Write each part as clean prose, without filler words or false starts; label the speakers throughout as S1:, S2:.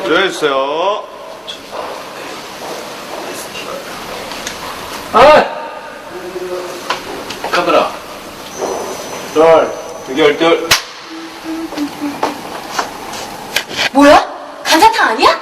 S1: 조용해주세요.
S2: 카메라.
S1: 절, 대결들.
S3: 뭐야? 감자탕 아니야?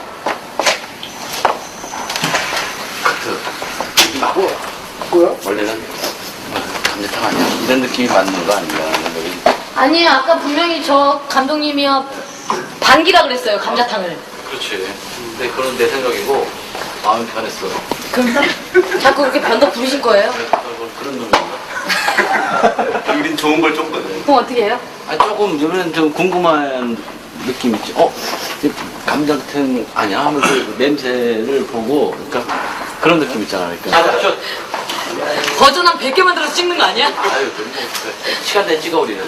S2: 카트. 뭐야? 원래는 감자탕 아니야? 이런 느낌이 맞는 거 아닌가?
S3: 아니에요. 아까 분명히 저 감독님이요. 반기라 그랬어요. 감자탕을.
S2: 그렇지. 근데 그건 내 생각이고 마음이 변했어.
S3: 그럼 자꾸 그렇게 변덕 부리실 거예요?
S2: 그런 놈인가?
S1: 우린 좋은 걸 줬거든.
S3: 그럼 어떻게 해요?
S2: 아니 조금 이번엔 좀 궁금한 느낌 있지. 이 감자탕 아니야? 하면서 그 냄새를 보고 그러니까 그런 느낌 있잖아. 그러니까.
S3: 버전 한 100개 만들어서 찍는 거 아니야?
S2: 아유, 시간 내 찍어 우리는.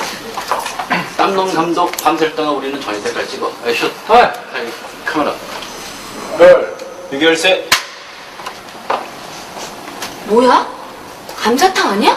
S2: 땀놈 감독 밤샐 동안 우리는 저녁 때까지 찍어. 슛. 아이, 카메라.
S1: 롤, 대결세.
S3: 뭐야? 감자탕 아니야?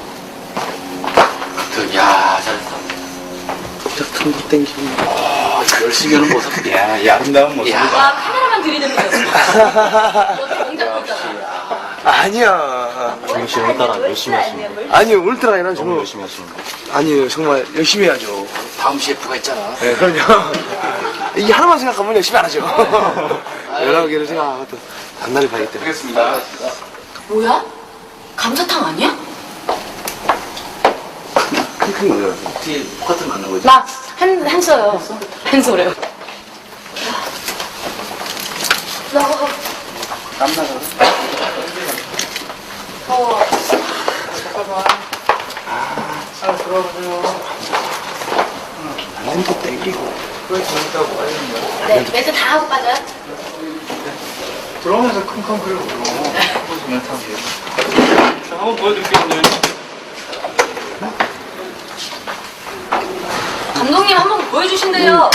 S2: 야, 잘했어. 감자탕 거 땡기고. 열심히 하는 모습.
S1: 야, 이 아름다운 모습.
S2: 야.
S3: 와, 카메라만 들이대면서. 너도 공작 보잖아.
S4: 아니야.
S5: 정희 씨 오늘따라 열심히 하시는 거.
S4: 아니요, 오늘따라 아니라
S5: 너무
S4: 정말.
S5: 열심히 하시는 거.
S4: 아니에요, 정말 열심히 해야죠.
S2: 다음 CF가 있잖아.
S4: 네, 그럼요. 이 하나만 생각하면 열심히 안 하죠. 여러 개를 생각하고 또 단단히 봐야기 때문에.
S1: 하겠습니다.
S3: 뭐야? 감자탕 아니야?
S4: 큰 거예요.
S2: 뒤에 커튼 맞는 거지.
S3: 나 한 써요. 한 소래요.
S1: 땀나서.
S4: 잘 들어보세요. 몸도 땡기고. 그걸 재밌다고 빠지는 거야.
S3: 네, 멘트 다 하고 빠져요?
S4: 들어오면서 킁킁거리고 보시면 참 돼요.
S1: 자, 한번 보여드릴게요.
S3: 감독님 한번 보여주신대요.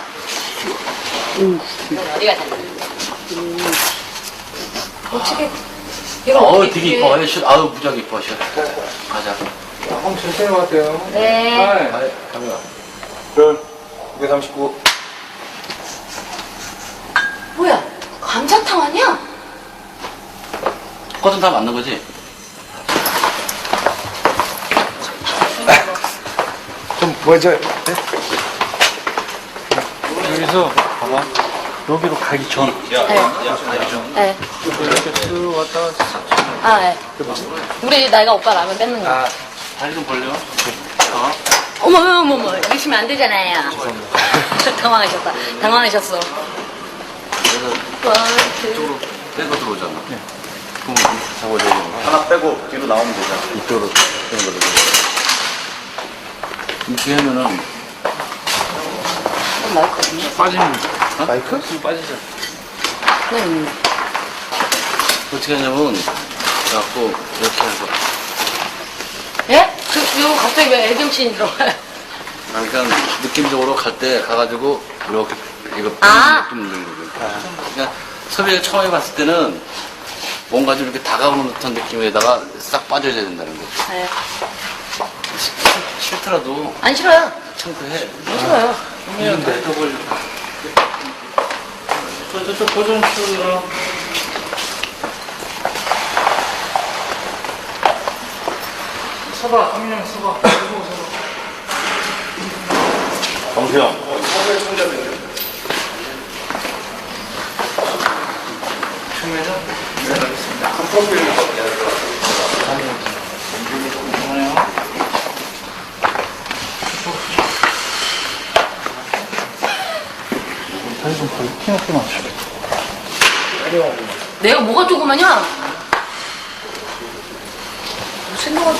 S3: 어디가 잘 어떻게 얘가 어떻게
S2: 되게
S3: 이렇게-
S2: 이뻐. 슛. 아유, 무지하게 이뻐. 슛. 가자.
S4: 한번 천천히 갈게요.
S3: 네.
S2: 아이, 카메라.
S1: 롤, 239.
S3: 뭐야? 감자탕 아니야?
S2: 커튼 다 맞는 거지?
S4: 좀 보여줘요. 네?
S5: 여기서 봐봐. 여기로 가기 전.
S3: 네.
S4: 이렇게 쓱 왔다 갔다.
S3: 아, 네. 우리 나이가 오빠 라면 뺏는 거.
S4: 아,
S2: 다리 좀 벌려.
S3: 어머, 이러시면 안 되잖아요. 당황하셨다. 당황하셨어.
S2: 그래서 이쪽으로 빼고 들어오잖아. 그럼 잡아줘야 되는 거야.
S1: 하나 빼고 뒤로 나오면 되잖아.
S2: 이쪽으로 빼는 거로. 이렇게 하면은 빠지는 거.
S4: 마이크?
S2: 빠지잖아.
S3: 네.
S2: 어떻게 하냐면, 그래갖고, 이렇게 해서.
S3: 예? 이거 갑자기 왜 애경씬 들어가요?
S2: 그러니까, 느낌적으로 갈 때 가가지고, 이렇게, 이거,
S3: 아.
S2: 좀 넣는 거죠. 그러니까, 섭외가 처음에 봤을 때는, 뭔가 좀 이렇게 다가오는 듯한 느낌에다가 싹 빠져야 된다는 거죠.
S3: 네.
S2: 싫더라도,
S3: 안 싫어요.
S2: 창피해.
S3: 안 싫어요.
S2: 그러면 더 걸려. 저쪽 고정 치우라.
S4: 서봐, 성민이 형 서봐.
S1: 정수영.
S5: 다리 좀 벌려. 키높게 맞춰.
S3: 내가 뭐가 조그마냐? 생각하지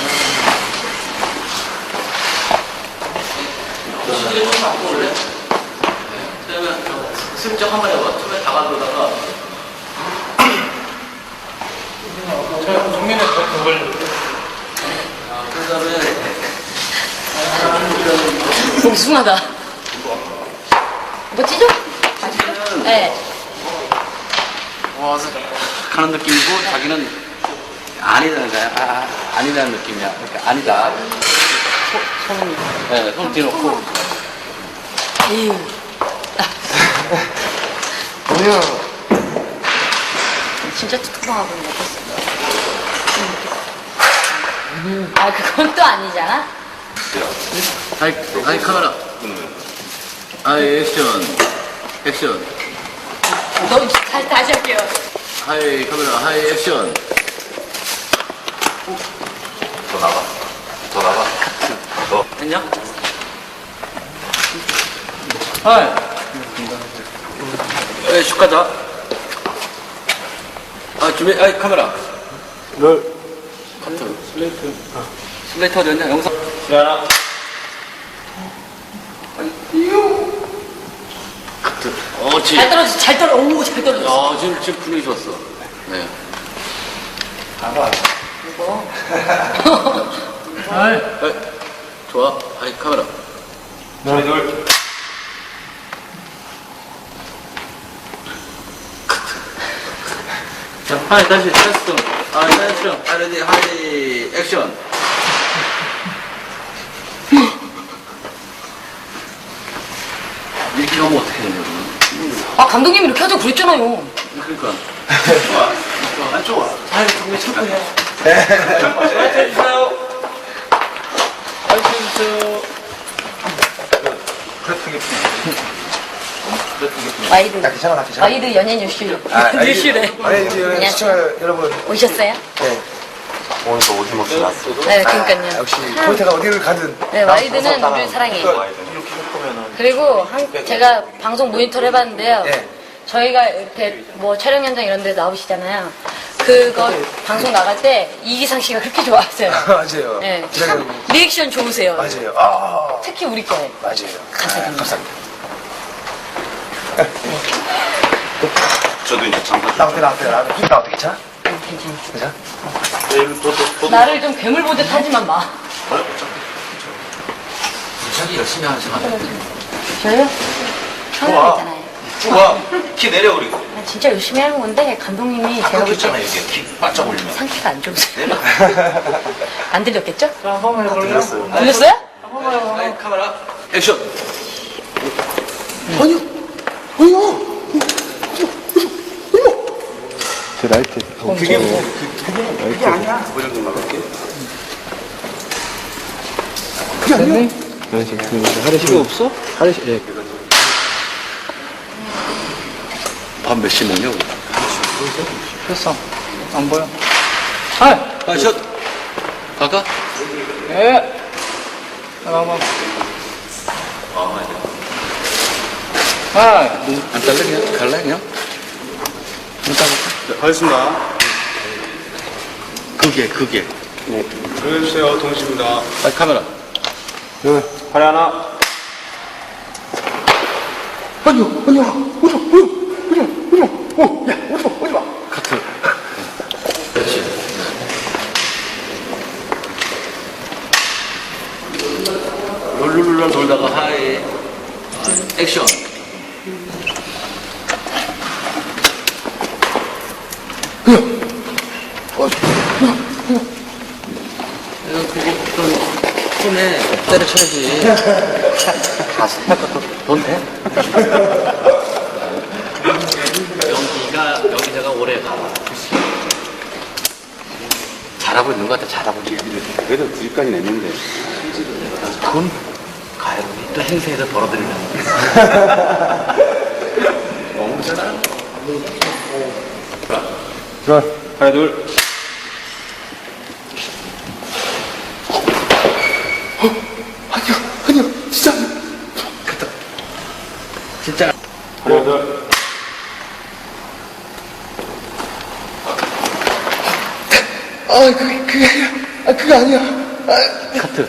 S2: 시계를 좀 바꿔 올래? 그러면 슬쩍 한번 해봐. 처음에 다가들다가
S4: 정민이 더 걸려.
S2: 그 다음에
S3: 뭉숭하다. 뭐 찢어? 네.
S2: 와서 가는 느낌이고 자기는 아니라는 거야. 아니라는 느낌이야. 그러니까 아니다. 손 뒤놓고
S3: 에휴.
S4: 동영.
S3: 진짜 투통하고 있네. 아, 그건 또 아니잖아?
S2: 하이 카메라. 하이 액션.
S3: 너 다시 할게요.
S2: 하이 카메라. 하이 액션.
S1: 더 나가.
S2: 했냐? 하이. 슛 가자. 준비. 하이 카메라. 카트. 슬레이트 어디였냐? 영상.
S1: 하나.
S2: 어지.
S3: 잘 떨어졌어, 잘 떨어졌어.
S2: 지금 분위기 좋았어. 네.
S3: 이거.
S2: 하이. 좋아. 하이 카메라.
S1: 둘.
S2: 자, 하이 다시 테스트. 액션. 레디 하이 액션. 이렇게 하면 어떻게 되냐고.
S3: 아, 감독님이 이렇게 하자고 그랬잖아요.
S2: 그러니까.
S1: 안 좋아.
S2: 하이 정말 착하네.
S1: 파이팅 해주세요.
S3: 와이드.
S4: 나 괜찮아, 나 괜찮아.
S3: 와이드 연예 뉴스.
S4: 아,
S3: 뉴스래.
S4: 아니, 이제 시청자 여러분.
S3: 오셨어요?
S4: 네.
S1: 오늘 또 어김없이 났어.
S3: 네, 그러니까요.
S4: 역시 포인트가 어디를 가든.
S3: 네, 와이드는 우리를 사랑해.
S1: 이렇게 해보면은.
S3: 그리고 제가 방송 모니터를 해봤는데요.
S4: 예.
S3: 저희가 이렇게 뭐 촬영 현장 이런 데 나오시잖아요. 그거 방송 나갈 때 이기상 씨가 그렇게 좋아하세요.
S4: 맞아요.
S3: 네.
S4: 제가
S3: 참 리액션 좋으세요.
S4: 맞아요. 아,
S3: 특히 우리 거.
S4: 맞아요.
S3: 감사드립니다.
S4: 감사합니다.
S1: 저도 이제 잠깐.
S4: 나 어떻게 괜찮아?
S3: 괜찮아.
S4: 괜찮아?
S1: 내일 또.
S3: 나를 좀 괴물 보듯 하지만 마.
S2: 자기 열심히 하는 사람.
S3: 저요? 카메라 있잖아요.
S1: 좋아. 키 내려 그리고.
S3: 나 진짜 열심히 하는 건데 감독님이 제가 볼
S1: 있잖아
S3: 때
S1: 여기 키 바짝 올리면.
S3: 상태가 안 좋으세요. 안 들렸겠죠?
S1: 들렸어요.
S3: 들렸어요?
S2: 하이 카메라. 액션.
S1: 그게 그게 아니야. 그 정도 나갈게.
S2: 필요 없어? 예. 밥 몇 시 먹냐고.
S5: 됐어. 안 보여. 하이.
S2: 샷. 갈까?
S5: 예. 나가봐. 하이.
S2: 안 딸래 그냥? 갈래 그냥?
S1: 네, 가겠습니다.
S2: 그게.
S1: 조용해주세요. 동식입니다.
S2: 하이 카메라.
S1: 팔 하나.
S2: 카트. 그렇지. 롤롤롤 돌다가 하이 액션. 그거 손에 때려쳐야지. 돈 돼? 여기다가 오래 가. 잘하고 있는 것 같아, 잘하고 있는 것 같아.
S1: 그래도 9위까지 냈는데.
S2: 돈 가요. 또 행사에서 벌어들이면.
S1: 너무 잘하는
S4: 좋아.
S1: 하나 둘.
S4: 아니요, 진짜.
S2: 진짜.
S1: 하나 둘.
S4: 그게 아니야.
S2: 카트.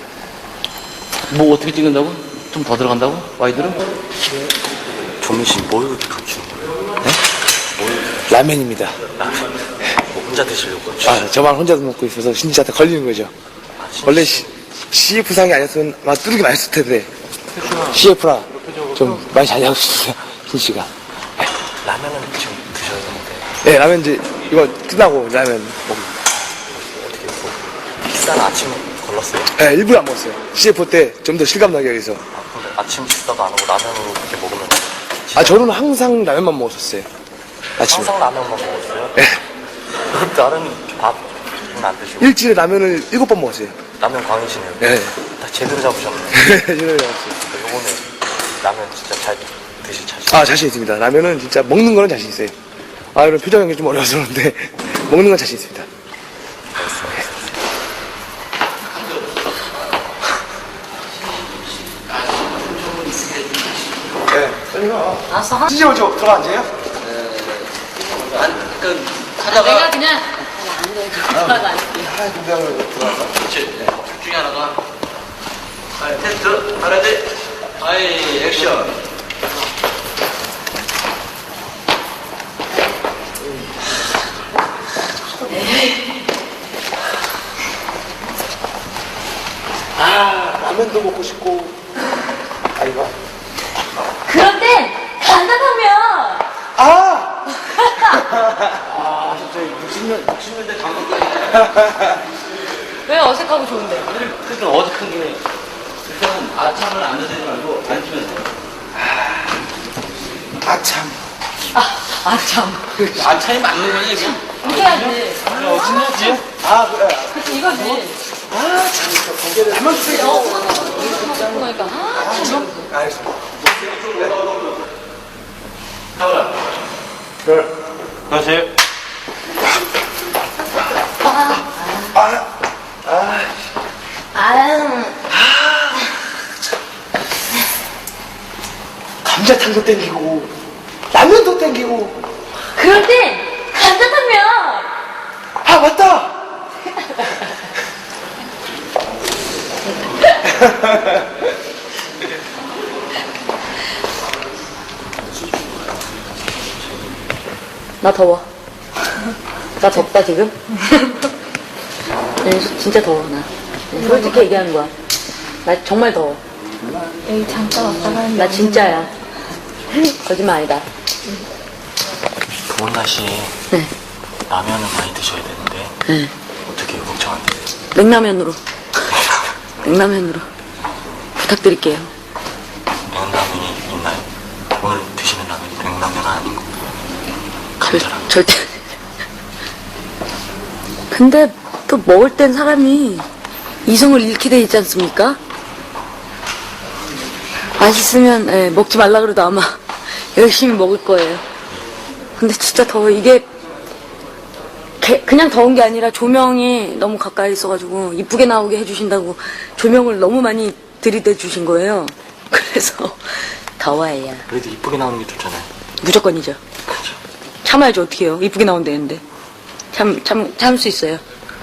S2: 뭐 어떻게 찍는다고? 좀 더 들어간다고? 와이드로?
S1: 조민씨 뭘 그렇게 감추는 거예요?
S4: 라면입니다.
S1: 뭐 혼자 드시려고?
S4: 저만 혼자 먹고 있어서 신지한테 걸리는 거죠. 원래 CF상이 아니었으면 아마 뚜르기 많이 했을 텐데. CF라 좀 많이 잘 하고 있어요, 신지가.
S1: 라면은 지금 드셔야 되는데.
S4: 네, 라면 이제 이거 끝나고 라면 먹습니다.
S1: 식사는 아침 걸렀어요?
S4: 네, 일부러 안 먹었어요. CF 때 좀 더 실감나게 해서.
S1: 근데 아침 식사도 안 하고 라면으로 그렇게 먹으면
S4: 저는 항상 라면만 먹었었어요. 아침에.
S1: 항상 라면만 먹었어요?
S4: 네.
S1: 다른 밥은 안 드시고
S4: 일주일에 라면을 7번 먹었어요.
S1: 라면 광이시네요.
S4: 네.
S1: 다 제대로 잡으셨네요.
S4: 제대로 먹었어요.
S1: 요거는 라면 진짜 잘 드실 자신.
S4: 자신 있습니다. 라면은 진짜 먹는 거는 자신 있어요. 이런 표정이 좀 어려워서 그런데 먹는 건 자신 있습니다.
S3: 알았어.
S4: 진짜 먼저 들어가 앉아요?
S3: 내가 그냥 안 돼. 들어가도 안 돼.
S2: 그렇지. 네. 둘 중에 하나가. 텐트, 하나들, 액션.
S4: 라면도 먹고 싶고. 이거.
S3: 그럴 땐 간단하면.
S2: 진짜 60년대 감독들이네.
S3: 왜 어색하고 좋은데?
S2: 그러니까 어색한 게 일단은 아참을 안 드시지 말고 앉으면 돼요.
S4: 참.
S3: 참.
S2: 아참이 맞는 거냐 이게?
S3: 이렇게 해야지.
S2: 진짜지?
S4: 그래.
S3: 그치, 이거지.
S4: 라면 쓰레기.
S3: 그러니까. 참.
S4: 알겠습니다.
S2: 가보라. 다시.
S4: 감자탕도 땡기고, 라면도 땡기고.
S3: 그럴 땐 간단하면.
S4: 맞다!
S3: 나 더워. 나 덥다, 지금? 진짜 더워, 나. 솔직히 얘기하는 거야. 나 정말 더워.
S6: 여기 잠깐 왔다가
S3: 나 진짜야. 거짓말 아니다.
S1: 더운 날씨에
S3: 네.
S1: 라면을 많이 드셔야 되는데
S3: 네.
S1: 어떻게 걱정 안 되세요?
S3: 냉라면으로. 냉라면으로. 부탁드릴게요.
S1: 냉라면이 있나요? 오늘 드시는 라면이 냉라면은 아닌 거. 감자라면.
S3: 절대. 근데 또 먹을 땐 사람이 이성을 잃게 돼 있지 않습니까? 맛있으면 먹지 말라 그래도 아마 열심히 먹을 거예요. 근데 진짜 더워. 이게 그냥 더운 게 아니라 조명이 너무 가까이 있어가지고 이쁘게 나오게 해주신다고 조명을 너무 많이 들이대 주신 거예요. 그래서 더워요.
S1: 그래도 이쁘게 나오는 게 좋잖아요.
S3: 무조건이죠.
S1: 그렇죠.
S3: 참아야죠. 어떻게 해요. 이쁘게 나온다는데. 참을 수 있어요.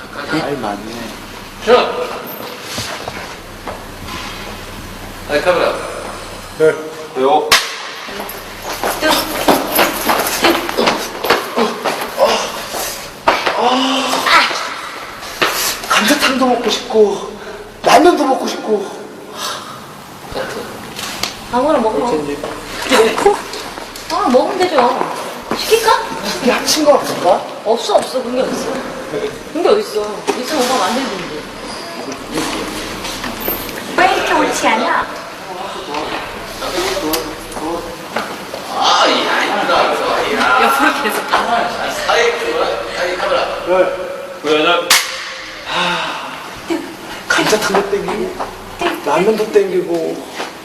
S2: 자. 카메라.
S4: 네.
S2: 요.
S4: 감자탕도 먹고 싶고, 라면도 먹고 싶고.
S3: 아무거나 먹으면. 아무거나 먹으면 되죠. 시킬까?
S4: 야친 거 없을까?
S3: 없어. 그런 게 없어. 그런 게 어딨어. 있으면 오빠 만들든지.
S6: 왜 이렇게 옳지 않아?
S3: 옆으로 계속.
S2: 사이 카메라. 보여줘.
S4: 감자탕도 땡기고, 라면도 땡기고.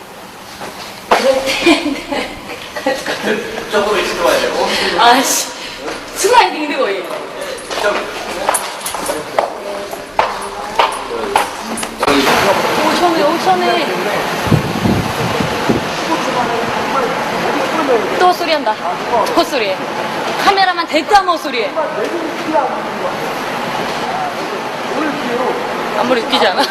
S2: 쪽으로 있을 거야 되고.
S3: 아씨. 순간 힘든 거예요. 오천에. 또 헛소리 한다. 헛소리해. 카메라만 대뜸 헛소리해. 아무리 웃기지 않아?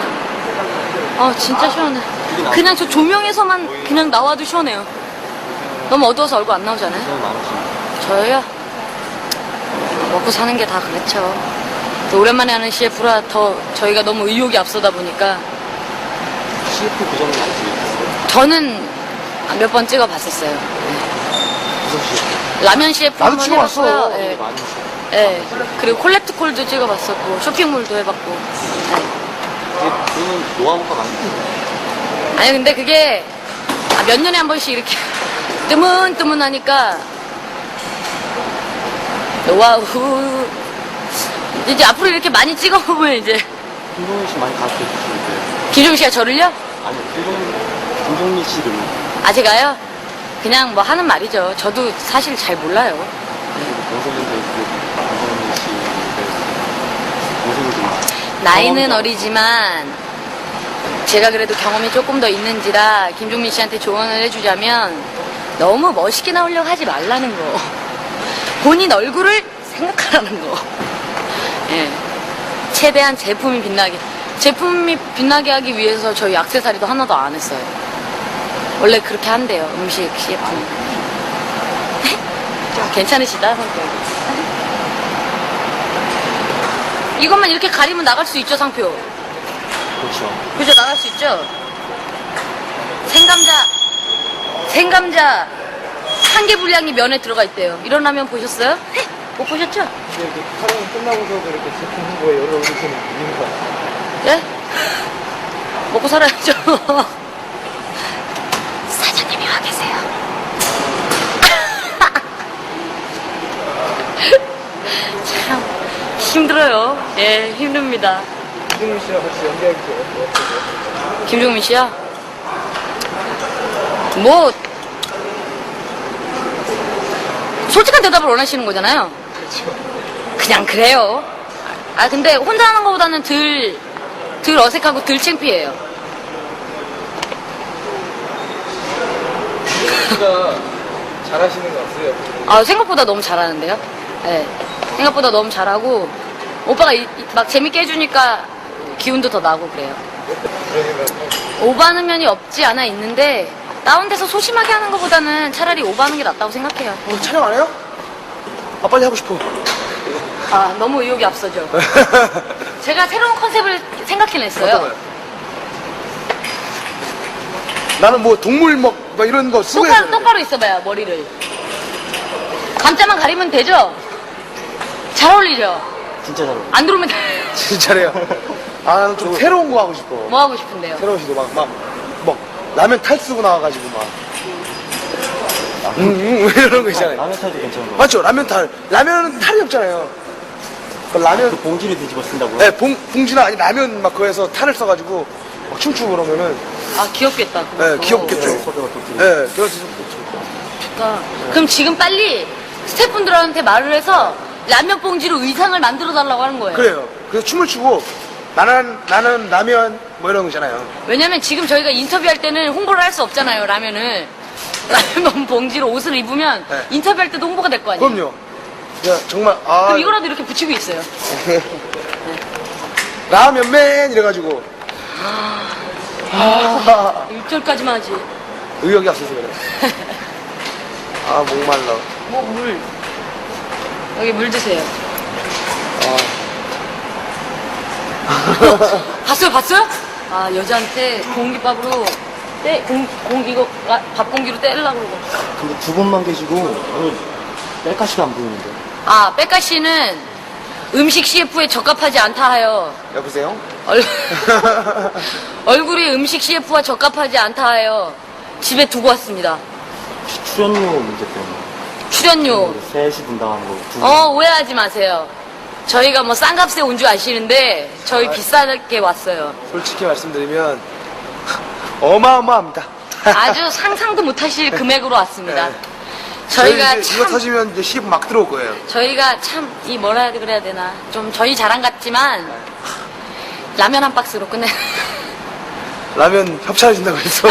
S3: 진짜 시원해. 그냥 저 조명에서만 그냥 나와도 시원해요. 너무 어두워서 얼굴 안 나오잖아요? 저요? 먹고 사는 게 다 그렇죠. 또 오랜만에 하는 CF라 더 저희가 너무 의욕이 앞서다 보니까.
S1: CF 그 정도 아세요?
S3: 저는 몇 번 찍어봤었어요.
S1: 무슨 CF?
S3: 라면 CF
S4: 나도
S3: 한번
S4: 찍어봤어.
S3: 해봤고요. 예.
S1: 많이 있어요.
S3: 예. 그리고 콜렉트콜도 찍어봤었고 쇼핑몰도 해봤고.
S1: 그거는 노하우가 많이 있어요.
S3: 아니 근데 그게 몇 년에 한 번씩 이렇게 뜨문뜨문하니까 와우. 이제 앞으로 이렇게 많이 찍어보면 이제
S1: 김종민 씨 많이 가르쳐 주시는데.
S3: 김종민 씨가 저를요?
S1: 아니, 김종민 씨를.
S3: 아 제가요? 그냥 뭐 하는 말이죠. 저도 사실 잘 몰라요.
S1: 동생인데, 김종민 씨를. 동생이 좀.
S3: 나이는 어리지만 제가 그래도 경험이 조금 더 있는지라 김종민 씨한테 조언을 해주자면 너무 멋있게 나오려고 하지 말라는 거. 본인 얼굴을 생각하라는 거. 예. 최대한 제품이 빛나게 하기 위해서 저희 액세서리도 하나도 안 했어요. 원래 그렇게 한대요. 음식 CF. 좀 괜찮으시다 성격이. 이것만 이렇게 가리면 나갈 수 있죠, 상표?
S1: 그렇죠.
S3: 그죠, 나갈 수 있죠? 생감자 한 개 분량이 면에 들어가 있대요. 이런 라면 보셨어요? 못 보셨죠?
S4: 이렇게 촬영 끝나고서도 이렇게 제품 홍보에 여러 오시는 이유가.
S3: 예? 먹고 살아야죠. 사장님이 와 계세요. 참 힘들어요. 예, 힘듭니다.
S4: 김종민 씨랑 같이 연기하기 좋아요.
S3: 김종민 씨야? 뭐 솔직한 대답을 원하시는 거잖아요. 그냥 그래요. 아 근데 혼자 하는 것보다는 덜 어색하고 덜 창피해요.
S4: 씨가 잘하시는 거 같아요.
S3: 아 생각보다 너무 잘하는데요. 네. 생각보다 너무 잘하고 오빠가 막 재밌게 해주니까 기운도 더 나고 그래요. 오버하는 면이 없지 않아 있는데 다운돼서 소심하게 하는 것보다는 차라리 오버하는 게 낫다고 생각해요.
S4: 촬영 안 해요? 아, 빨리 하고 싶어.
S3: 아 너무 의욕이 앞서죠. 제가 새로운 컨셉을 생각해냈어요.
S4: 어떤 거요? 나는 뭐 동물 막 이런 거 쓰고
S3: 똑바로 있어봐요 머리를. 감자만 가리면 되죠? 잘 어울리죠?
S1: 진짜 잘 어울려.
S3: 안 들어오면
S4: 진짜래요. 아, 나는 좀 새로운 거 하고 싶어.
S3: 뭐 하고 싶은데요?
S4: 새로운 시도 막 라면 탈 쓰고 나와가지고 막. 이런 거 있잖아요.
S1: 라면 탈도 괜찮은 거.
S4: 맞죠? 라면은 탈이 없잖아요. 그 라면,
S1: 그 봉지를 뒤집어 쓴다고요?
S4: 네, 봉지나 아니 라면 막 그거에서 탈을 써가지고 막 춤추고 그러면은,
S3: 아 귀엽겠다.
S4: 네, 귀엽겠죠.
S1: 소리가 또
S4: 네, 그래서
S3: 그러니까. 그럼 지금 빨리 스태프분들한테 말을 해서 라면 봉지로 의상을 만들어 달라고 하는 거예요.
S4: 그래요. 그래서 춤을 추고 나는 라면 뭐 이런 거잖아요.
S3: 왜냐면 지금 저희가 인터뷰할 때는 홍보를 할 수 없잖아요 라면을. 라면 봉지로 옷을 입으면
S4: 네.
S3: 인터뷰할 때도 홍보가 될 거 아니에요.
S4: 그럼요. 야, 정말 아
S3: 그럼 이거라도 이렇게 붙이고 있어요.
S4: 라면맨 이래가지고 아,
S3: 1절까지만 하지.
S4: 의욕이 없어서 그래. 아 목말라.
S3: 뭐 물. 여기 물 드세요. 봤어요? 아 여자한테 공깃밥으로 이거 밥 공기로 때리려고 그러고.
S1: 근데 두 분만 계시고 오늘 뺄가시가 안 보이는데.
S3: 아 백가씨는 음식 CF에 적합하지 않다 하여
S4: 여보세요?
S3: 얼굴이 음식 CF와 적합하지 않다 하여 집에 두고 왔습니다.
S1: 혹시 출연료 문제 때문에
S3: 출연료.
S1: 셋이 분담하는 거 두 분.
S3: 오해하지 마세요. 저희가 뭐 싼 값에 온 줄 아시는데 저희 비싸게 왔어요.
S4: 솔직히 말씀드리면 어마어마합니다.
S3: 아주 상상도 못하실 금액으로 왔습니다.
S4: 네.
S3: 저희가
S4: 이제 이거
S3: 참
S4: 터지면 이제 CF 막 들어올 거예요.
S3: 저희가 참 이 뭐라 그래야 되나 좀 저희 자랑 같지만 라면 한 박스로 끝내.
S4: 라면 협찬해준다고 해서.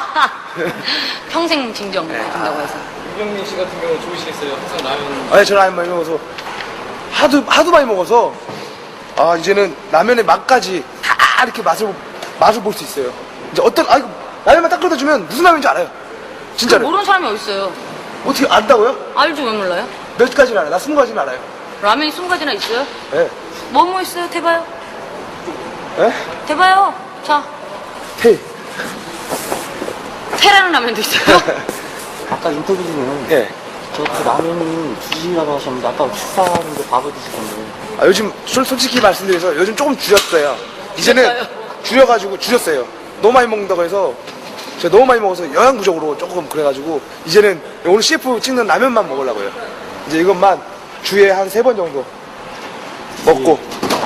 S3: 평생 증정 해준다고 해서.
S5: 이경민 씨 같은 경우는 좋으시겠어요. 항상 라면.
S4: 아니, 저는 라면 많이 먹어서 하도 많이 먹어서 아 이제는 라면의 맛까지 다 이렇게 맛을 볼 수 있어요. 이제 이거 라면만 딱 끓여 주면 무슨 라면인지 알아요. 진짜로.
S3: 모르는 사람이 어딨어요.
S4: 어떻게 안다고요?
S3: 알죠 왜 몰라요?
S4: 몇 가지는 알아요. 나 20가지는 알아요.
S3: 라면이 20가지나 있어요?
S4: 예.
S3: 뭐 있어요? 대봐요.
S4: 예?
S3: 대봐요. 자,
S4: 테이.
S3: 테라는 라면도 있어요.
S1: 아까 인터뷰 중에
S4: 예.
S1: 저 그 라면이 주시라고 하셨는데 아까 식사하는데 밥을 드시던데.
S4: 아, 요즘 솔직히 말씀드려서 요즘 조금 줄였어요. 이제는
S3: 줄였어요?
S4: 줄여가지고 줄였어요. 너무 많이 먹는다고 해서 제가 너무 많이 먹어서 영양 부족으로 조금 그래가지고 이제는 오늘 CF 찍는 라면만 먹으려고요. 이제 이것만 주에 한 3번 정도 먹고.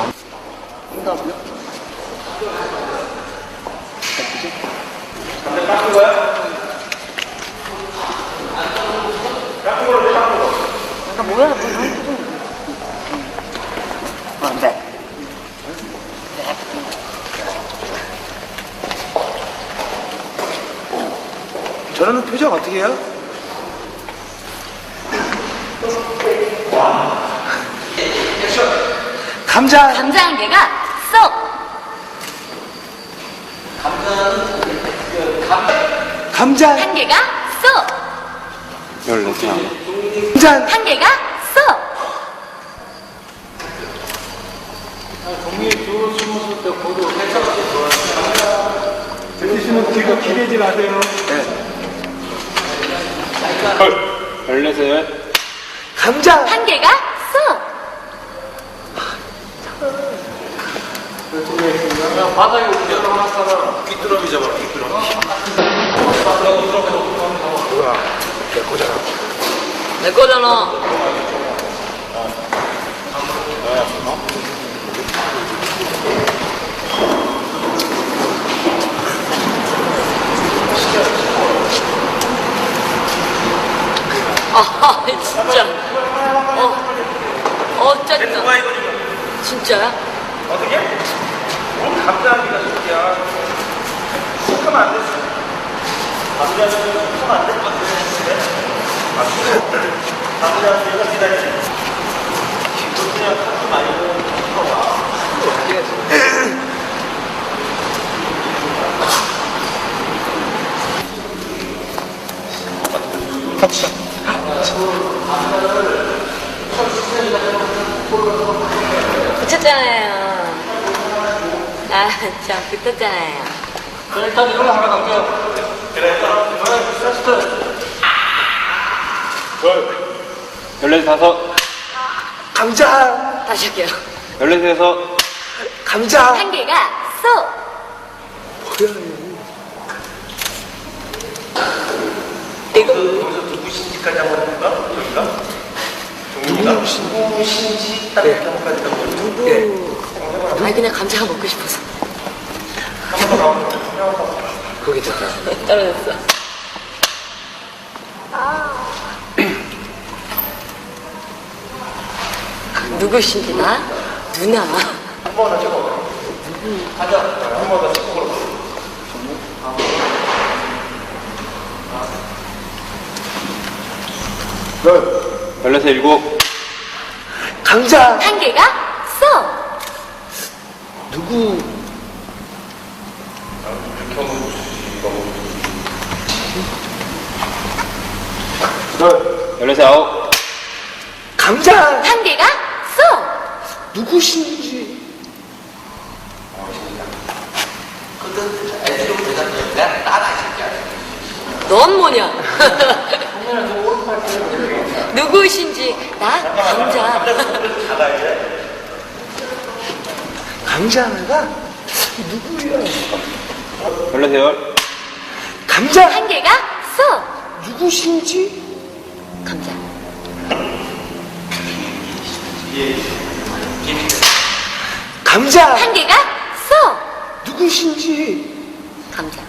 S4: 저는 표정 어떻게 해요? 감자
S3: 감자 한 개가 쏙!
S4: 감자
S3: 한 개가 쏙!
S4: 감자
S3: 한 개가 쏙!
S1: 뒤로 기대지 마세요.
S4: 감자
S3: 한 개가 쏙!
S1: 귀뚜라미 잡아라, 귀뚜라미.
S3: 내 거잖아. 아, 진짜. 짜증나. 진짜야?
S1: 어떻게? 감자하기가 좋냐. 쑥하면 안 됐어. 감자는 쑥하면 안 될 것 같은데. 감자는 내가 기다리지. 그냥 하지 말고 쑥어봐.
S3: 붙였잖아요. 아, 참, 붙었잖아요.
S2: 일단 이걸로 하나 갈게요.
S4: 감자
S3: 다시 할게요.
S4: 감자
S3: 한 개가 쏙! 이거
S1: 누구신지까지 한번 해볼까? 여기가? 누구신지 딱 이렇게 한번 까지 한번.
S3: 아니, 그냥 감자가 먹고 싶어서.
S4: 그거 괜찮다.
S3: 떨어졌어. 누구신지 나? 누나.
S4: 감자
S3: 한 개가 쏙!
S4: 누구 감자
S3: 한 개가 쏙!
S4: 누구신지
S3: 넌 뭐냐? 누구신지 나? 감자.
S4: 감자 하나가 누구야? 감자
S3: 한 개가 쏙!
S4: 누구신지
S3: 감자.
S4: 감자
S3: 한 개가 쏙!
S4: 누구신지
S3: 감자.